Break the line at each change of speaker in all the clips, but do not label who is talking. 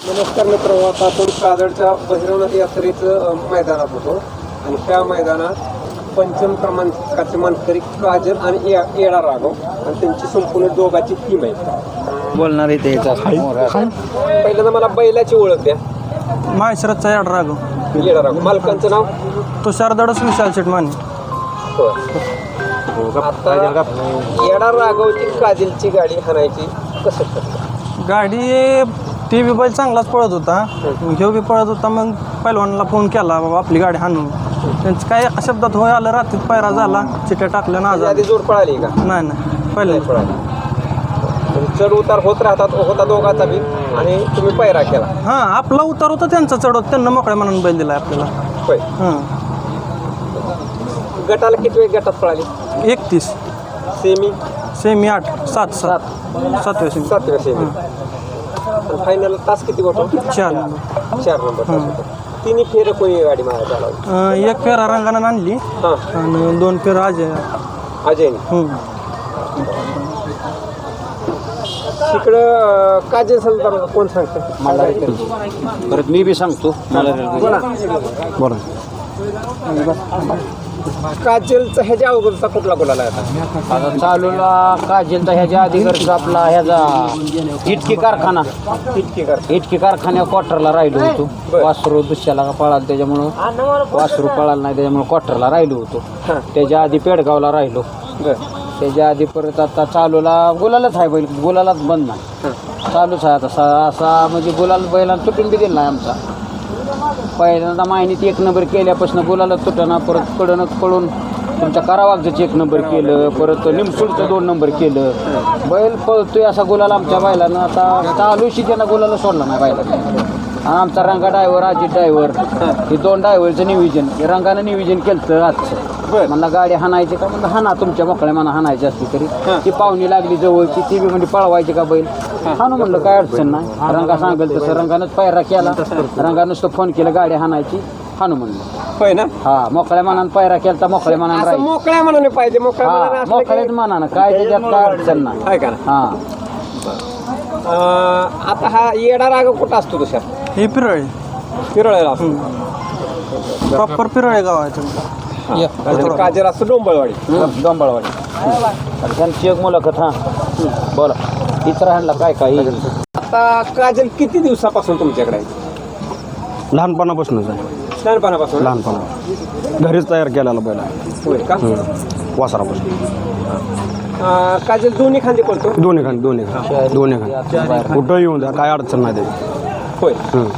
नमस्कार मित्र, आता आपण काजळच्या बहिरवनाथ यात्रेचं मैदानात होतो आणि त्या मैदानात पंचम क्रमांकाचे मानकरी काजल आणि येडा राघव आणि त्यांची संपूर्ण दोघांची टीम आहे.
बोलणार आहे
पहिल्यांदा मला बैलाची ओळख द्या.
माहेश्वरचा याड राघव.
येडा राघव. मालकांचं नाव?
तुषार दडस विशाल शेटमाने.
आता येडा राघवची काजलची गाडी हाणायची कसं ठरलं?
गाडी ती बी बैल चांगलाच पळत होता, घेऊ बी पळत होता. मग पहिलवानला फोन केला, बाबा आपली गाडी हाणू. त्यांचं काय शब्दात होय आलं, रात्रीत पायरा झाला, चिट्या टाकल्या ना.
आधी जोड पळाली का?
नाही पहिल्या
पळाली. चढ उतार होत राहतात, होता दोघांचा बी आणि तुम्ही पायरा केला.
हां, आपला उतार होता, त्यांचा चढवत त्यांना मोकळ्या मनानं बैल दिला आपल्याला.
होय.
हां,
गटाला किती वेळ गटात पळाली?
31.
सेमी
8 7 7व्या सेमी.
7व्या सेमी. फायनल तास किती होतो?
4
नंबर. तिन्ही फेर कोणी गाडी मारायला लावली?
एक फेरा रंगानं आणली
हां,
आणि 2 फेरा अजय.
अजयने. तिकडं काजल संदर्भात कोण सांगतं?
परत मी बी सांगतो.
बोला. काजलचा ह्याच्या अवघडचा कुठला बोलायला
आता चालूला काजलचा ह्याच्या आधी घरचा आपला ह्याचा इटकी कारखान्या क्वार्टरला राहिलो होतो. वासरू दुसऱ्याला का पळाल त्याच्यामुळं वासरू पळाल नाही, त्याच्यामुळे क्वार्टरला राहिलो होतो. त्याच्या आधी पेडगावला राहिलो. त्याच्या आधी परत आता चालूला गुलालच आहे बैल, गुलालाच बंद नाही, चालूच आहे आता. असा म्हणजे गुलाल बैलांना तुटून बी दिला नाही आमचा. पहिल्यांदा माहिनीत 1 नंबर केल्यापासून गुलाला तुटना, परत कडनं पळून तुमच्या करावागचं 1 नंबर केलं, परत निमसूळचं 2 नंबर केलं. बैल पळतोय असा गुलाल आमच्या बैलानं. आता चालूशी त्यांना गुलाला सोडला नाही बैलाला. आमचा रंगा ड्रायव्हर, अजित ड्रायव्हर, हे 2 ड्रायव्हरचं नियोजन, रंगानं नियोजन केलं आजचं. म्हणला गाडी हाणायची का? म्हणलं हाना, तुमच्या मोकळ्या मना हाणायची असली तरी. ती पाहुणी लागली जवळची, ती बी म्हणजे पळवायची का बैल हाणू. म्हणलं काय अडचण नाही, रंगा सांगेल तसं. रंगानंच पायरा केला, रंगानं नुसतं फोन केला गाडी हाणायची, हाणू म्हणलं.
होय ना?
हा, मोकळ्या मनानं पायरा केला तर मोकळ्या मनानं राहील.
मोकळ्या मनाने पाहिजे.
मोकळ्याच मनानं, काय त्याच्यात काय अडचण नाही.
आहे का?
हा.
आता हा येडा राघव कुठं असतो? तुषा
हे पिरळे
पिरळेला असतो.
प्रॉपर पिरळे गाव आहे तुम्ही.
काजल असतो डोंबळवाडी.
त्यांची एक मुलाखत. हा, बोला. इतर राहिला काय काय.
आता काजल किती दिवसापासून तुमच्याकडे आहे?
लहानपणापासूनच आहे.
लहानपणापासून?
लहानपणा घरीच तयार केलेला पहिला.
होय का?
वासरापासून.
काजल दोन्ही खांदे पडतो?
दोन्ही खांदे कुठं येऊन द्या, काय अडचण नाही त्याची.
होय.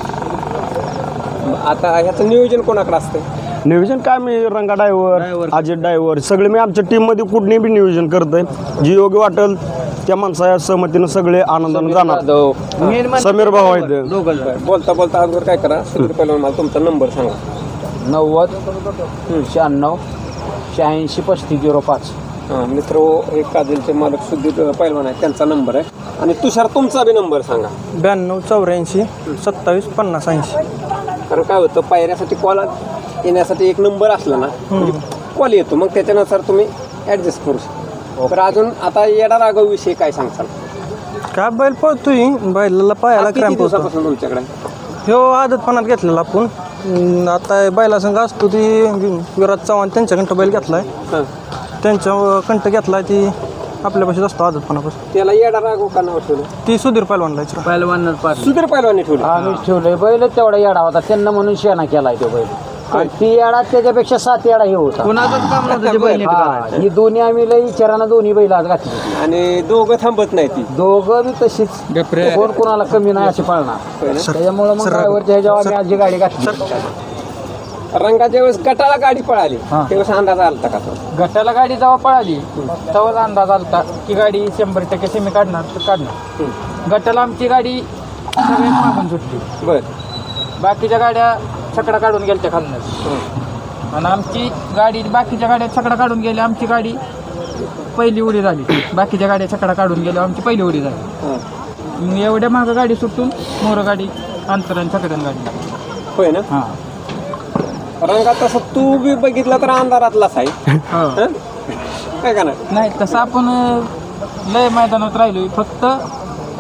आता ह्याचं नियोजन कोणाकडे असतं?
नियोजन काय, मी रंगा ड्रायव्हर, अजित ड्रायव्हर, सगळे मी आमच्या टीममध्ये कुठली बी नियोजन करतोय. जी योग्य वाटेल त्या माणसाच्या सहमतीनं सगळे आनंदाने जाणार. समीर भाऊ आहेत.
बोलता अगोदर काय करा, पहिला मला तुमचा नंबर सांगा.
90 96 86 3505.
मित्र, हे काजलचे मालक सुधीर पैलवान आहे, त्यांचा नंबर आहे. आणि तुषार, तुमचा बी नंबर सांगा.
92 84 27 50 80.
कारण काय होतं, पायऱ्यासाठी कॉल येण्यासाठी एक नंबर असला ना म्हणजे कॉल येतो, मग त्याच्यानुसार तुम्ही ॲडजस्ट करू शकता. तर अजून आता येडा राघव विषयी काय सांगताल?
काय बैल पळतोय, बैलाला पायाला
किती
क्रॅम्प होता.
दिवसापासून तुमच्याकडे?
ह्यो आदतपणात घेतलेला आपण. आता बैला संघ असतो ती विराज चव्हाण, त्यांच्याकडं बैल घेतलाय, त्यांच्या कंठ घेतलाय. ती आपल्यापाशीच असतो आदतपणापासून.
त्याला येडा राघव का नाव ठेवलं?
ती सुधीर पैलवानला.
सुधीर पैलवानने ठेवलं.
आम्ही ठेवलंय. बैल तेवढा येडा होता, त्यांना म्हणून शेणा केलाय तो बैल. आणि ती येडा त्याच्यापेक्षा 7 येडा हे होता. ही दोन्ही आम्ही लई विचारानं दोन्ही बैल आज घातली.
आणि दोघं थांबत नाही. ती
दोघं बी तशीच, कोण कोणाला कमी नाही अशी पाळणार. त्याच्यामुळे मग ड्रायव्हरच्या ह्याच्यावर आम्ही आज जी गाडी घातली.
रंगाच्या वेळेस गटाला गाडी पळाली त्यावेळेस अंदाज आलता का?
गटाला गाडी जेव्हा पळाली तेव्हाच अंदाज आलता की गाडी 100% सेमी काढणार. गटाला आमची गाडी सगळ्यात मागून सुटली.
बर.
बाकीच्या गाड्या छकडा काढून गेल्या खालूनच, आणि आमची गाडी बाकीच्या गाड्या छकडा काढून गेल्या, आमची गाडी पहिली उडी झाली. बाकीच्या गाड्या छकडा काढून गेल्या, आमची पहिली उडी झाली. एवढ्या मागं गाडी सुटून मोर गाडी अंतराने छकड्यान गाडी.
होय ना?
हां.
रंगात तसं तू बी बघितलं तर अंधारातलाच आहे. काय का
नाही, तसं आपण लय मैदानात राहिलो. फक्त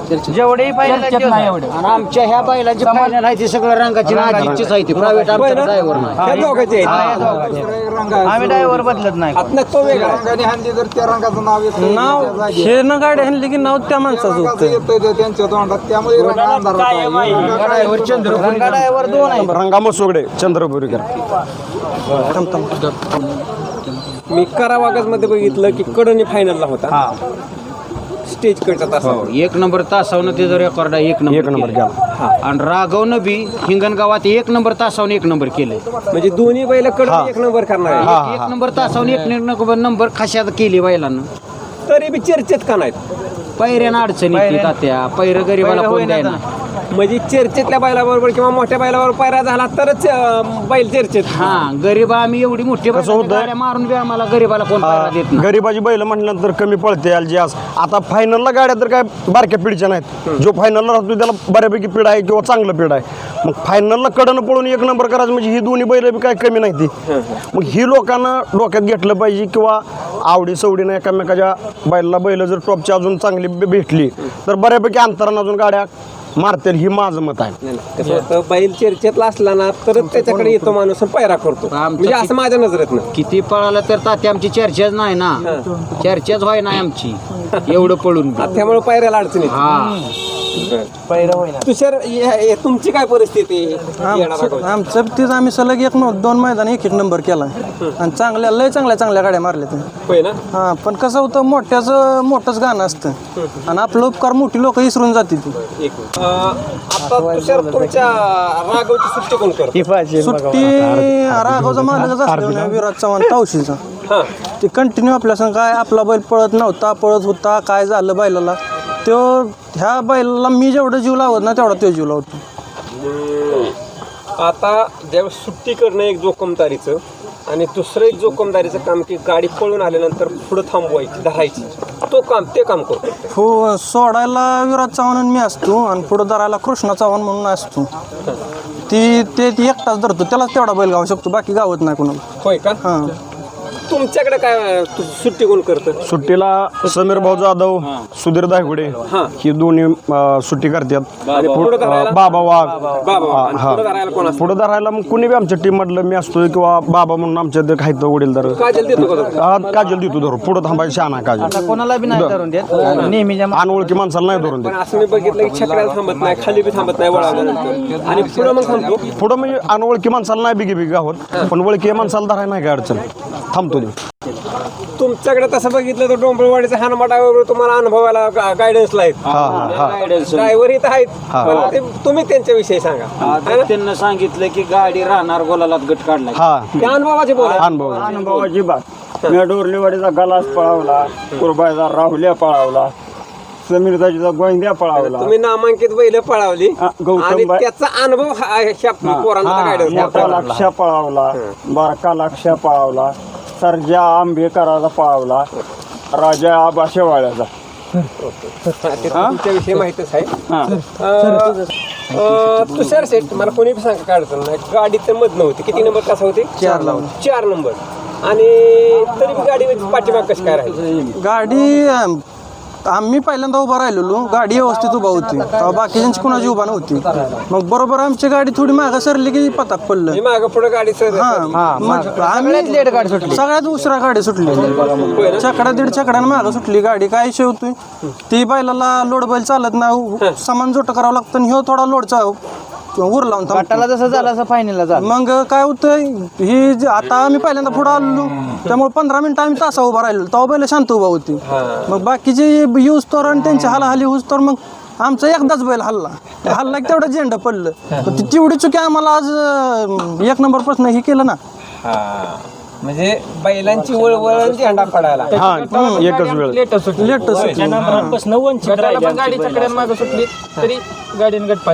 जेवढेही चर्चेत नाही एवढे.
आणि आमच्या ह्या बैलांची फायनल आहे ती सगळं रंगाची नाजीचीच आहे ती प्रायव्हेट आमच्या ड्रायव्हर नाही
ह्या दोघांचे आहेत.
आम्ही ड्रायव्हर बदलत नाही.
आतनं तो वेगळा
नाव हे न गाडी आणली की नाव त्या माणसाचं होतं.
ड्रायव्हर दोन आहे.
रंगा मसोगडे चंद्रपुरीकर.
मी करावागज मध्ये बघितलं की कडनी फायनलला होता स्टेज कडचा तास.
एक नंबर तासावनं ते जर रेकॉर्ड आहे एक नंबर
केला.
आणि राघवनं बी हिंगणगावात एक नंबर तासावनं एक नंबर केलंय.
म्हणजे दोन्ही बैल कडनी एक नंबर करणार आहे.
एक नंबर तासावनं एक नंबर खाशात केली बैलानं.
तरी बी चर्चेत का नाहीत?
पैऱ्यानं अडचणी येते तात्या. पैर गरीबाला कोण द्यायना.
म्हणजे चर्चेतल्या बैलाबरोबर किंवा मोठ्या बैलाबरोबर पायरा झाला तरच बैल चर्चेत.
हा गरीब आम्ही एवढी मोठी गाड्या मारून बी आम्हाला गरीबाला कोण पायरा देत नाही.
गरीबाची बैल म्हटल्यानंतर कमी पळते अलजियास. आता फायनलला गाड्या तर काय बारक्या पिढीच्या नाहीत. जो फायनलला राहतो त्याला बऱ्यापैकी पिढ आहे किंवा चांगलं पिढ आहे. मग फायनलला कडनं पळून एक नंबर करायचं म्हणजे ही दोन्ही बैल बी काय कमी नाही ती. मग ही लोकांना डोक्यात घेतलं पाहिजे किंवा आवडी सवडीनं एकामेकाच्या बैलाला बैल जर टॉपची अजून चांगली भेटली तर बऱ्यापैकी अंतरानं अजून गाड्या मारतील ही माझं मत आहे.
कसं होतं बैल चर्चेतला असला ना तरच त्याच्याकडे येतो माणूस आणि पायरा करतो. म्हणजे असं माझ्या नजरेत ना.
किती पळाला तर तात्या आमची चर्चाच नाही ना. चर्चाच व्हाय नाही आमची एवढं पळून बी.
त्यामुळे पायऱ्याला अडचणी.
हा
तुषार तुमची काय परिस्थिती आहे?
आमचं तीच आम्ही सलग दोन मैदान एक नंबर केला आणि लय चांगल्या गाड्या मारल्या तुम्ही.
होय ना.
हा पण कसं होतं मोठंच गाणं असतं आणि आपलं उपकार मोठी लोक विसरून जाते ती.
आता तुषार तुमच्या राघवची सुट्टी कोण करतो?
सुट्टी राघवचा मालकच असतो विराज चव्हाण तावशीचा. ते कंटिन्यू आपल्या संग काय आपला बैल पळत नव्हता पळत होता काय झालं बैलाला तो ह्या बैलाला मी जेवढं जीव लावत ना तेवढा तो जीव लावतो.
आता ज्यावेळेस सुट्टी करणं एक जोखमदारीचं आणि दुसरं एक जोखमदारीचं काम की गाडी पळून आल्यानंतर पुढं थांबवायची धरायची ते काम करतो.
हो सोडायला विराज चव्हाण आणि मी असतो आणि पुढं धरायला कृष्णा चव्हाण म्हणून असतो. ती एकटाच धरतो त्यालाच तेवढा बैल गावू शकतो बाकी गावत नाही कोणाला.
होय का.
हां
तुमच्याकडे काय सुट्टी कोण करतं?
सुट्टीला समीर भाऊ जाधव सुधीर दायगुडे ही दोन्ही सुट्टी करतात. बाबा वाघ पुढे धरायला मग कुणी बी आमच्या टीम मधलं मी असतोय किंवा बाबा म्हणून आमच्या ते खायचं वडीलदार
काजल
काजल देतो धरू पुढे थांबायचं शहाणा काजल
कोणाला बी नाही धरून देत नेहमीच्या
अनोळखी माणसाला नाही धरून देत.
असं मी बघितलं की छकड्याला थांबत नाही खाली बी थांबत नाही वळाल्यानंतर आणि पुढं मग थांबतो.
पुढं म्हणजे अनोळखी माणसाला नाही बिगी गावत पण ओळखी माणसाला धरायला नाही काय अडचण थांबतो.
तुमच्याकडे तसं बघितलं तर डोंबरवाडीचा हानमाटावर तुम्हाला अनुभवाला गायडन्सला आहेत. ड्रायव्हर इथं आहेत पण तुम्ही त्यांच्याविषयी सांगा.
त्यांना सांगितलं की गाडी राहणार गोलाला गट काढला.
त्या अनुभवाचे बोला.
अनुभवाची बात मी डोरलेवाडीचा गलास पळावला कुरबाईचा राहुल्या पळावला समीरदाजीचा गोंद्या पळावला.
तुम्ही नामांकित बैल पळावली आणि त्याचा अनुभव
मोठा लक्ष्या पळावला बारका लक्ष्या पळावला सर्जा आंबेकराचा पळावला राजा आबा शेवाळ्याचा.
तुमच्याविषयी माहितीच आहे. तुषार शेठ मला कोणी सांगा काय अडचण नाही. गाडी तर मध नव्हती. किती नंबर कसा होते? 4 नंबर. आणि तरी गाडी पाठीमाग कशी काय राहिली?
गाडी आम्ही पहिल्यांदा उभा राहिलेलो गाडी व्यवस्थित उभा होती बाकीच्यांची कोणाची उभा नव्हती. मग बरोबर आमची गाडी थोडी मागं सरली की पताक पडलं.
मागं पुढे गाडी
सगळ्यात उशिरा गाडी सुटली. छकडा दीड छकड्यानं मागं सुटली गाडी. काय विषय होतोय ती बैलाला लोड बैल चालत नाही सामान जोट करावं लागतं आणि ह्यो थोडा लोडचा उर लावून
जसं झालं असं फायनलला झालं.
मग काय होतंय ही आता आम्ही पहिल्यांदा पुढे आलो त्यामुळे 15 मिनिटं आम्ही तासा उभा राहिलो तेव्हा बैल शांत उभा होती. मग बाकीचे यूज तर आणि त्यांची हालाहाली होऊस तर मग आमचा एकदाच बैल हल्ला की तेवढं झेंडा पडलं. तेवढी चुकी आम्हाला आज 1 नंबर पासून हे केलं ना.
म्हणजे बैलांची वळवळ झेंडा पडायला
एकच वेळ
लेट सुटली.
गाडी चकड्यान मागे सुटली तरी गाडीने गट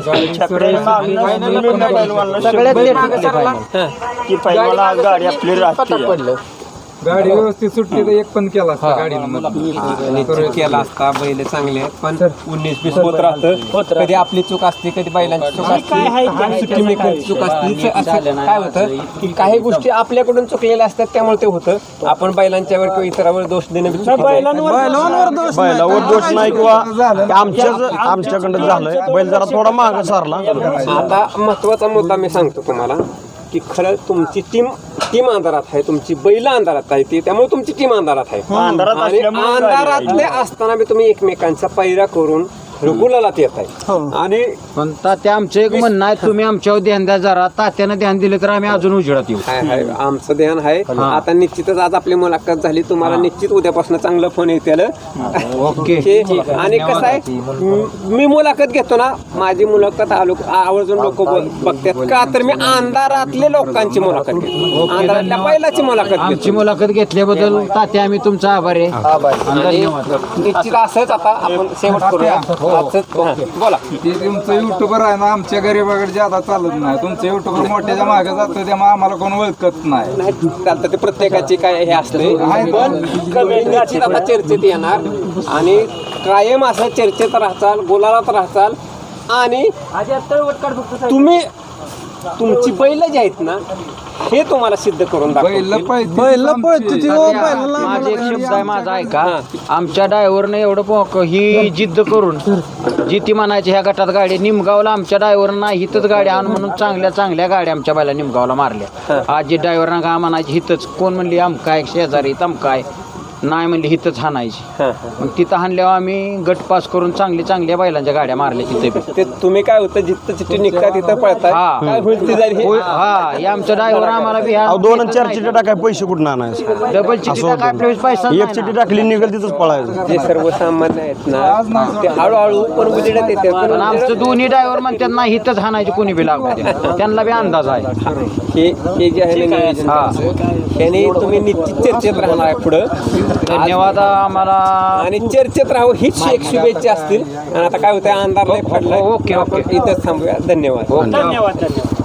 गाडी आपली
पडलं.
गाडी व्यवस्थित सुटली तर एक पण केला असता गाडीनं
निश्चित केला असता. बैल चांगले आहेत पण 19-20 होत राहतं. कधी आपली चूक असते, कधी बैलांची चूक असते, सुट्टी मेकरची चूक असते. असं काय होतं की काही गोष्टी आपल्याकडून चुकलेल्या असतात, त्यामुळे ते होतं. आपण बैलांच्यावर किंवा इतरांवर दोष देणं बी चुकीचं आहे.
बैलांवर दोष नाही.
बैलावर दोष नाही किंवा आमच्याकडं झालंय बैल जरा थोडा मागं सारला.
आता महत्वाचा मुद्दा मी सांगतो तुम्हाला की खरं तुमची टीम अंधारात आहे, तुमची बैल अंधारात आहे ती, त्यामुळे तुमची टीम अंधारात आहे. आणि अंधारातले असताना बी तुम्ही एकमेकांचा पैरा करून गुलालात येत आहे. आणि
पण तात्या आमचं एक म्हणणं आहे, तुम्ही आमच्यावर ध्यान द्या जरा. तात्यानं ध्यान दिलं तर आम्ही अजून उजेडात येऊ.
हाय आमचं ध्यान आहे. आता निश्चितच आज आपली मुलाखत झाली, तुम्हाला निश्चित उद्यापासून चांगलं फोन येतील.
ओके.
आणि कसं आहे, मी मुलाखत घेतो ना, माझी मुलाखत आवर्जून लोक बघतात का, तर मी अंधारातले लोकांची मुलाखत घेतो, अंधारातल्या बैलाची मुलाखत घेतो.
आमची मुलाखत घेतल्याबद्दल तात्या आम्ही तुमचा आभारी आहे. आणि धन्यवाद.
निश्चित असंच आता आपण शेवट करूया. बोला.
ते तुमचं युट्यूबर आहे ना, आमच्या गरीबाकडे ज्यादा चालत नाही. तुमचं युट्यूबर मोठ्याच्या मागे जातं, त्यामुळे आम्हाला कोण ओळखत नाही.
नाही चालतं, ते प्रत्येकाची काय हे असते. पण तुम्ही निश्चित आता चर्चेत येणार आणि कायम असं चर्चेत राहचाल, गुलालात राहचाल. आणि तुम्ही तुमची बैल जी आहेत ना, हे तुम्हाला सिद्ध करून
बैल
दाखवतील.
बैल पळते ती हो, बैलाला
माझा एक शब्द आहे माझा ऐका. आमच्या ड्रायव्हरनं एवढं ही जिद्द करून जी ती म्हणायची ह्या गटात गाडी निमगावला, आमच्या ड्रायव्हरनं हिथंच गाडी आणून म्हणून चांगल्या गाड्या आमच्या बैला निमगावला मारल्या. आज जी ड्रायव्हरना का म्हणायची हिथंच, कोण म्हणली आमकाय शेजारी तमकाय, नाही म्हणली हिथंच हाणायची. मग तिथं हाणल्यावर आम्ही गट पास करून चांगल्या बैलांच्या गाड्या मारल्या तिथे.
ते तुम्ही काय होतं, जिथं चिठ्ठी निघतात तिथं पळतात.
हा.
काय होईल ते जाईल हे.
हा, हे आमचं ड्रायव्हर आम्हाला बी ह्या
2 आणि 4 चिठ्ठ्या टाकाय पैसे कुठून आणायचं.
डबल चिठ्ठी टाकाय आपल्या वेळेस पैसा
एक चिठ्ठी टाकली निघेल तिथंच पळायचं.
जे सर्वसामान्य आहेत ना, ते हळूहळू पण उजेडात येतात.
पण आमचं दोन्ही ड्रायव्हर म्हणतात ना हिथंच हाणायची कोणी बी लागू द्या. त्यांना बी अंदाज आहे.
हे जे आहे ना नियोजन, त्याने तुम्ही निश्चित चर्चेत राहणार आहे पुढं.
धन्यवाद आम्हाला.
आणि चर्चेत राहू हीच एक शुभेच्छा असतील. आणि आता काय होतंय, अंधार लय पडलाय.
ओके.
इथंच थांबूया. धन्यवाद.